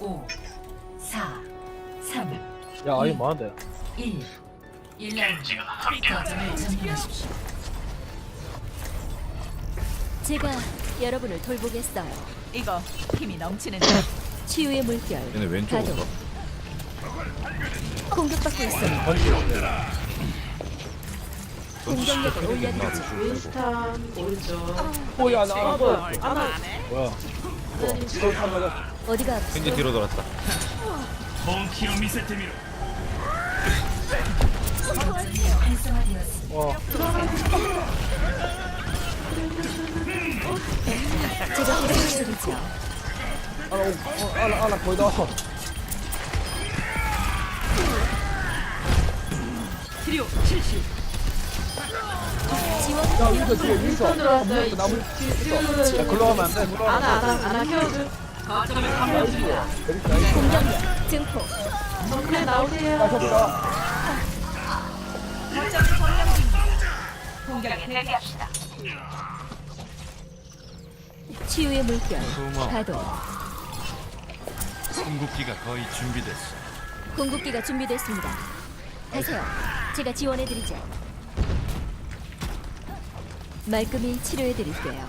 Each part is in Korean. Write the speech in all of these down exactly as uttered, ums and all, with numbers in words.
오, 사, 삼, 야 아이 많은데. 일. 일 라운드 거점을 점령하십시오. 제가 여러분을 돌보겠어요. 이거 힘이 넘치는 치유의 물결. 얘네 왼쪽으로 가동. 공격받고 있어요. 번지. 공격력을 올려드리죠. 윈스턴 오른쪽. 오야 나 어 아, 뭐야? 아나 뭐야? 또 한번 어디가 왠지 아프세요? 뒤로 돌았다. 거점이 활성화되었습니다. 와. 제가 보살펴드리죠. 아나 오, 어, 아나 아나 거의 다 왔어. 치료 실시. 지원 야 위도 뒤에 위도. 윈스턴 들어왔어요. 나무 있어. 야 글로 가면 안 돼. 글로 아나 가면 안 돼. 아나 아나 키워줘. 거점을 점령 중이다. 메리트 나이스. 공격력 증폭. 정크레 야 나오세요. 저기다. 거점을 점령 중이다. 공격에 대비합시다. 치유의 물결. 고마워. 가동. 궁극기가 거의 준비됐어. 공급기가 준비됐습니다. 가세요. 제가 지원해드리죠. 말끔히 치료해드릴게요.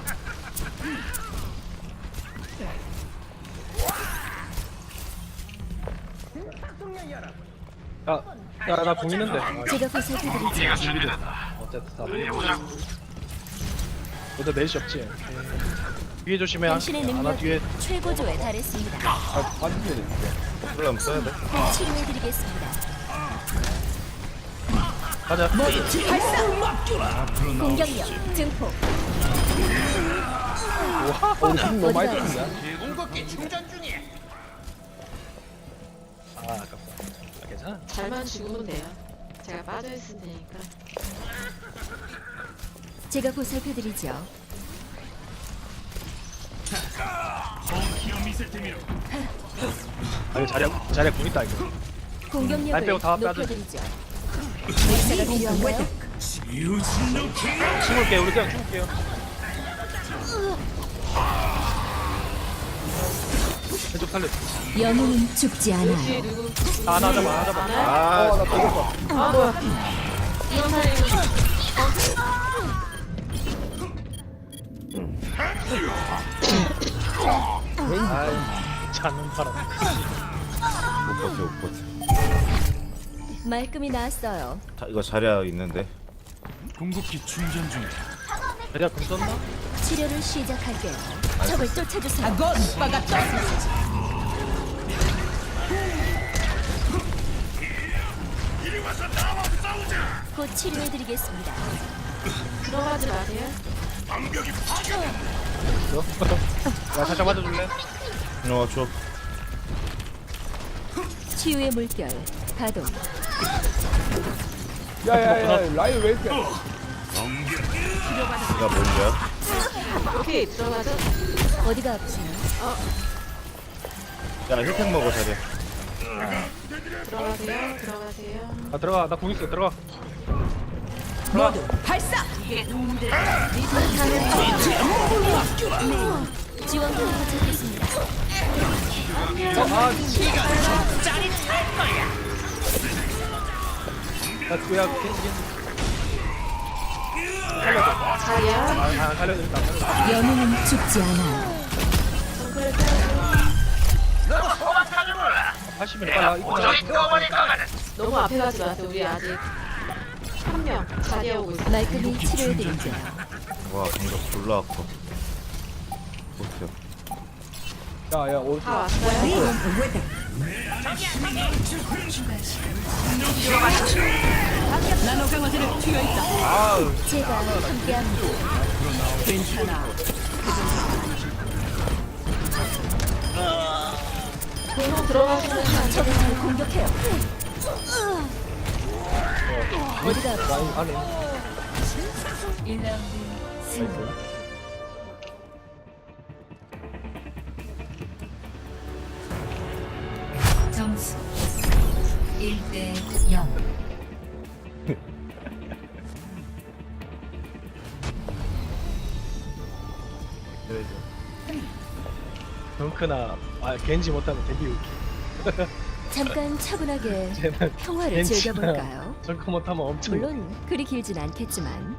야야나 공 있는데. 제가 보살펴드리죠. 어쨌든 다 보자. 너도 넷이 없지. 뒤에 조심해. 당신의 하나 능력이 뒤에. 최고조에 달했습니다. 아 반지에 있는데. 그럼 써야 돼. 꼭 치료해드리겠습니다. 가자. 공격력 증폭. 와 우리 힘 너무 많이 어디가 들었는데. 궁극기 충전 중이야. 아 아깝다. 아, 괜찮아. 잘만 죽으면 돼요. 제가 빠져 있을 테니까. 제가 보살펴드리죠. 아 이거 자리 자리 공 있다 이거. 날 공격력을 빼고 다 빼야 돼. 높여드리죠. 의사가 필요한가요? 숨을게 우리 그냥 숨을게요. 왼쪽 살려. 영웅은 죽지 뒤에 않아요. 누구? 아 나 잡아 나 잡아. 아나? 어나 걸렸어. 아 뭐야? 이런 살리고. 아이 자는 바람. 못 버텨 못 버텨. 말끔히 나았어요. 자, 이거 자리야 있는데. 궁극기 충전 중이야. 자리야 공 썼나? 치료를 시작할게요. 적을 쫓아주세요. 아건 오빠가 떴어. 곧 치료해드리겠습니다. 들어가지 마세요. 야 살짝 맞아줄래? 어 줘. 치유의 물결 가동. 야야야 라인 왜 이렇게? 이가 뭔지야? 오케이 들어가죠. 어디가 아프세요? 야 힐팩 먹어 자리야. 들어가세요. 들어가세요. 아 들어가 나 공 있어 들어가. 모두 발사. 지원군이 도착했습니다. 어아 야 그야 겐지 자리야. 아 살려 일단. 영웅은 죽지 않아요. 정크레 태워줘. 팔십 일 빨라 이쁘다. 너무 앞에 가지 마세요. 우리 아직 한 명 자리에 오고 있어. 말끔히 치료해드리죠. 와 공격 졸라 아파. 버텨. 야야 오. 다 왔어요. 나노 강화제를 튀어 있다. 아우 제가 함께합니다. 괜찮아. 공룡 들어가시면 적을 잘 공격해요. 어디가 아프세요? 라인 안에. 일 라운드 승부. 점수 일 대 영. 덩크나 아 겐지 못하면 되게 웃기. 잠깐 차분하게 쟤는 평화를 겐지나 즐겨볼까요? 덩크 못하면 엄청 웃겨. 물론 그리 길진 않겠지만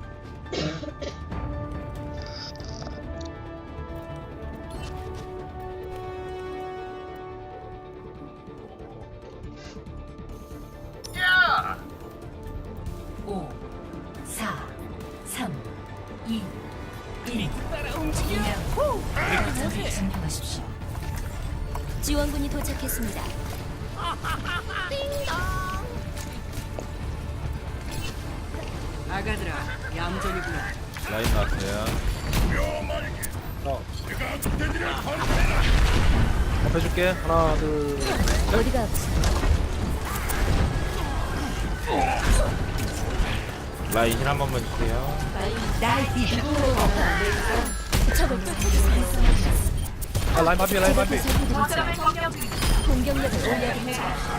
오, 사, 삼, 이, 일. 거점을 점령하십시오. 지원군이 도착했습니다. 아가들아, 얌전이구나. 라인 나왔어요. 어. 앞에 줄게. 하나 둘. 어디가 아프세요? 라인 힐 한 번만 주세요. 나이 뒤쪽으로 가면 안 되니까. 적을 쫓아주세요. 아 라인 마피 라인 마피. 공격력을 올려드리죠.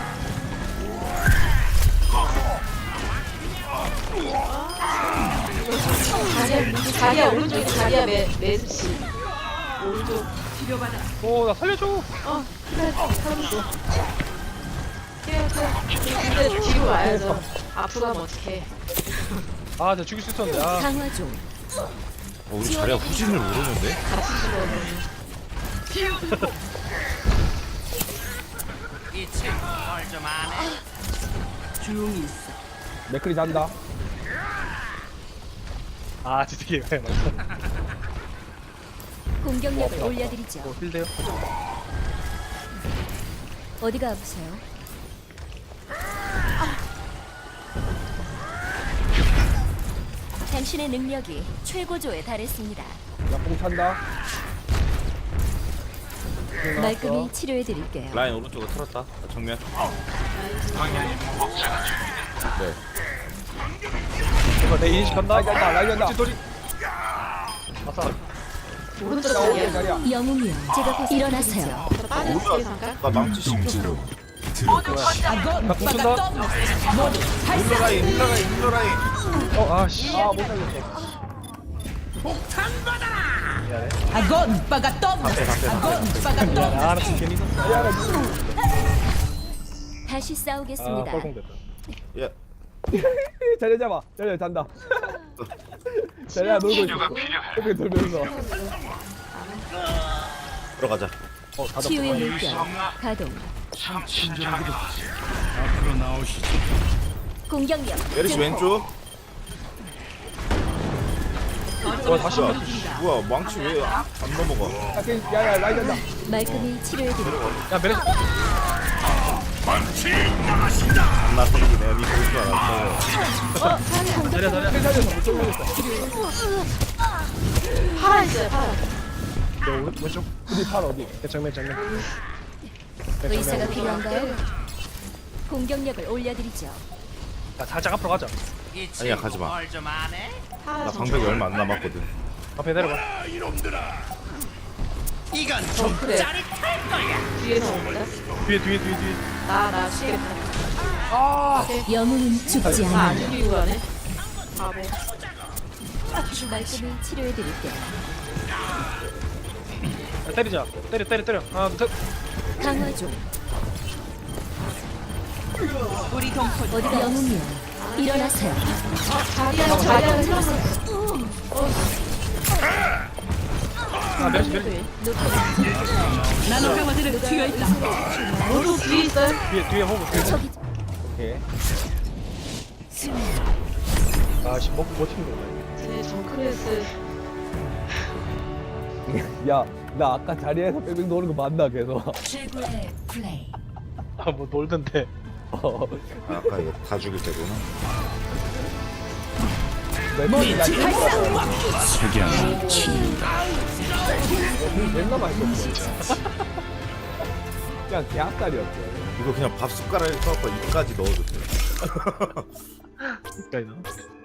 자리야, 자리야 오른쪽에 자리야 매 매수씨. 오른쪽. 치료받아. 오나 살려줘. 어, 기다려, 살려줘. 뛰어, 뛰어. 근데 뒤로 와야죠. 앞으로 가면 어떡해. 아 내가 죽일 수 있었는데. 아. 강화 중. 어, 우리 자리가 후진을 모르는데? 같이 죽어야 이 친구 뭘좀 아네. 조용히 있어. 맥클이 잔다. 아 진짜 이게 왜 맞아. 공격력을 올려드리죠. 어 힐돼요? 어디가 아프세요? 당신의 능력이 최고조에 달했습니다. 야뽕 찬다. 말끔히 치료해드릴게요. 라인 오른쪽으로 틀었다. 정면. 네. 이거 내 인식한다. 라이간다 라이간다 돌이. 아싸. 오른쪽 자리야. 자리야. 영웅이요. 제가 곧 일어나세요. 빠질게 잠깐. 나 망치 심지로. 아건 나 공춘다. 오빠가 떠. 모두 힐러 발사. 라인, 힐러 라인, 힐러 라인. 어 아씨. 아못 살렸어. 미안해. 아건 오빠가 떠. 아건 오빠가 떠. 미안해. 아, 나 지금 괜히 있었어. 미안해. 다시 아 싸우겠습니다. 뻘공됐다. 야, 자리 잡아. 자리 잔다. 자리야 놀고 있어. 이렇게 돌면서. 들어가자. 어 닫았어. 치유의 물결 가동. 친절하게도 앞으로 나오시죠. 공격력 메르시 증폭. 왼쪽. 와 다시 와. 뭐야, 망치 왜 안 넘어가? 야야 라이 잔다. 말끔히 치료해드릴게요. 야 메르시. 나 생기 내가 니볼 줄 알았어. 자리야 자리야. 힐 살려서 못 돌리겠어. 파라 있어요, 파라. 너 왼쪽. 어디 팔 어디? 정면 정면. 의사가 필요한가요? 공격력을 올려드리죠. 야 살짝 앞으로 가자. 이 아니야, 가지 마. 뭘좀 아네. 파라 나 정 방벽이 얼마 안 남았거든. 앞에 내려가. 이건 좀 그래. 짜릿할 거야. 뒤에서 온 거야? 뒤에 뒤에 뒤에 뒤에. 나, 나 죽겠다. 영웅은 죽지 나 안 않아. 죽이고 가네. 바보. 말끔히 치료해드릴게요. 야, 때리자. 때려 때려 때려. 하나 둘 셋. 강화 중. 우리 동포 어디가 영웅이요. 일어나세요. 자리야, 자리야, 틀었어. 아 메르시 메르시. 나노 강화들은 튀어 있다. 모두 뒤에 있어요? 뒤에 뒤에 호구. 뒤에. 저기 오케이. 아씨 먹고 못 튀는 거야. 쟤네 정크레스. 야, 나 아까 자리에서 뺑뺑 노는 거 맞나 계속. 최고의 플레이. 아, 뭐 놀던데. 어. 아, 아까 이거 다 죽일 때구나. 멤버들 나 석양이 친다. 맨날 맛있었어. 그냥 개학살이었어. 이거 그냥 밥 숟가락에 써갖고 입까지 넣어도 돼. 그러니까